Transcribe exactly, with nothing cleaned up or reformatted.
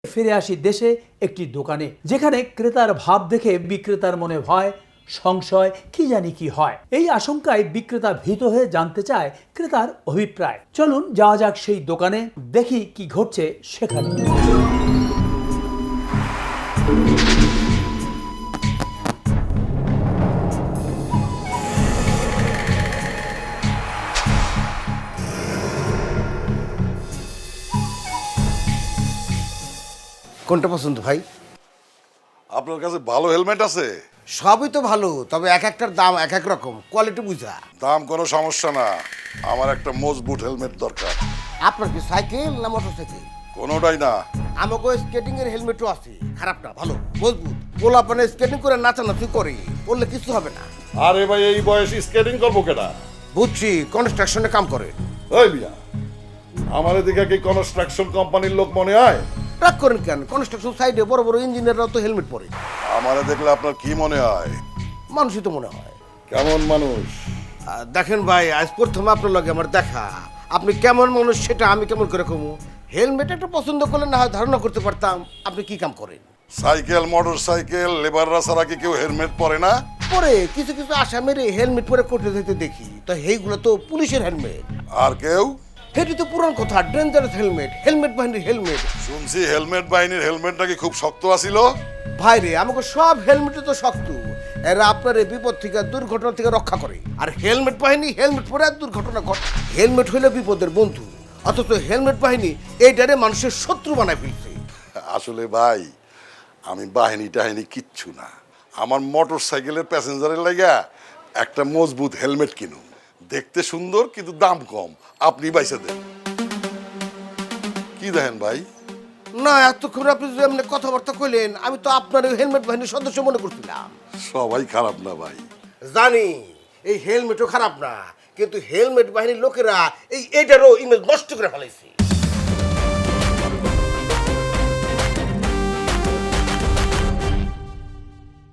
ফিরে আসি দেশে একটি দোকানে, যেখানে ক্রেতার ভাব দেখে বিক্রেতার মনে ভয়, সংশয়, কি জানি কি হয়। এই আশঙ্কায় বিক্রেতা ভীত হয়ে জানতে চায় ক্রেতার অভিপ্রায়। চলুন যাওয়া যাক সেই দোকানে, দেখি কি ঘটছে সেখানে। কোনটা পছন্দ ভাই? আপনার কাছে ভালো হেলমেট আছে? সবই তো ভালো, তবে এক একটার দাম এক এক রকম, কোয়ালিটি বুঝা। দাম কোনো সমস্যা না, আমার একটা মজবুত হেলমেট দরকার। আপনার কি সাইকেল না মোটর সাইকেল? কোনোটাই না। আমাকে স্কেটিং এর হেলমেটও আছে, খারাপ না, ভালো মজবুত। পোলাপানে স্কেটিং করে নাচানাচি করে, বললে কিছু হবে না। আরে ভাই, এই বয়সে স্কেটিং করবো কেনা? বুঝছি, কনস্ট্রাকশনে কাম করে। ওই মিয়া, আমার এদিকে কি কনস্ট্রাকশন কোম্পানির লোক মনে হয়? রাগ করেন কেন? কনস্ট্রাকশন সাইডে বড় বড় ইঞ্জিনিয়াররাও তো হেলমেট পরে। আমারে দেখলে আপনার কি মনে হয়? মানুষই তো মনে হয়। কেমন মানুষ? আহ, দেখেন ভাই, আজ প্রথমে আপনার লগে আমার দেখা। আপনি কেমন মানুষ সেটা আমি কেমন করে কমু? হেলমেট একটা পছন্দ করলে না হয় ধারণা করতে পারতাম আপনি কি কাম করেন। সাইকেল, মোটর সাইকেল, লেবাররা ছাড়া কি কেউ হেলমেট পরে না? পরে কিছু কিছু আসামের হেলমেট পরে করতে যেতে দেখি, তো এইগুলো তো পুলিশের হেলমেট। আর কেউ? সেটি তো পুরান কথা, ডেঞ্জারাস হেলমেট, হেলমেট বাহিনীর হেলমেট। শুনছি হেলমেট বাহিনীর হেলমেট নাকি খুব শক্ত আছিল। ভাই রে, আমাকে সব হেলমেটে তো শক্ত। এরা আপনার এই বিপদ থেকে, দুর্ঘটনা থেকে রক্ষা করে। আর হেলমেট বাহিনী হেলমেট পরে আর দুর্ঘটনা ঘটে। হেলমেট হইলে বিপদের বন্ধু, অথচ হেলমেট বাহিনী এইটারে মানুষের শত্রু বানায় ফেলছে। আসলে ভাই, আমি বাহিনী টাহিনী কিচ্ছু না। আমার মোটর সাইকেলের প্যাসেঞ্জারের লাগা একটা মজবুত হেলমেট কিনুন, দেখতে সুন্দর কিন্তু দাম কম, আপনি বাইসা দেন। কি দেখেন ভাই? না, এতক্ষণ আপনি যদি এমনি কথাবার্তা কইলেন, আমি তো আপনার ওই হেলমেট বাহিনীর সদস্য মনে করছিলাম। সবাই খারাপ না ভাই। জানি এই হেলমেটও খারাপ না, কিন্তু হেলমেট বাহিনীর লোকেরা এই এটারও ইমেজ নষ্ট করে ফেলাইছে।